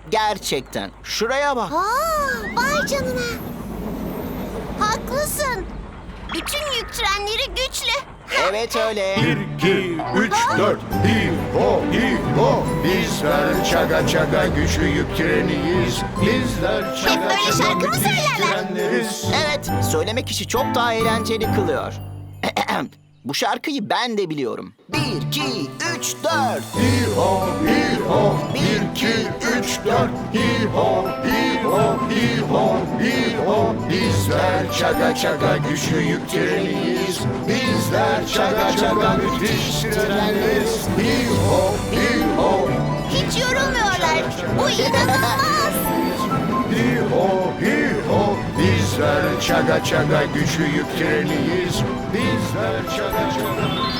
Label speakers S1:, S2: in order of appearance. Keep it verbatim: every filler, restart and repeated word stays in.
S1: Gerçekten. Şuraya bak.
S2: Aa, vay canına. Haklısın. Bütün yük trenleri güçlü.
S1: Evet öyle.
S3: Bir, iki, üç, dört. Hi ho, hi ho. Bizler çaga çaga güçlü yük treniyiz. Bizler
S2: Hep
S3: çaga
S2: böyle
S3: çaga
S2: şarkı mı
S3: müthiş
S2: söylerler?
S3: trenleriz.
S1: Evet, söylemek işi çok daha eğlenceli kılıyor. Bu şarkıyı ben de biliyorum. Bir, iki, üç, dört.
S3: Hi ho, hi ho. Bir, iki, üç, dört. Hi ho, hi ho, hi ho, hi ho. Bizler çaga çaga güçlü yük treniyiz. Bizler çaga çaga müthiş trenleriz. Hi ho, hi ho.
S2: Hiç yorulmuyorlar. Bu inanılmaz.
S3: Hi ho, hi ho. Bizler çaga çaga güçlü yük treniyiz. Bizler çaga çaga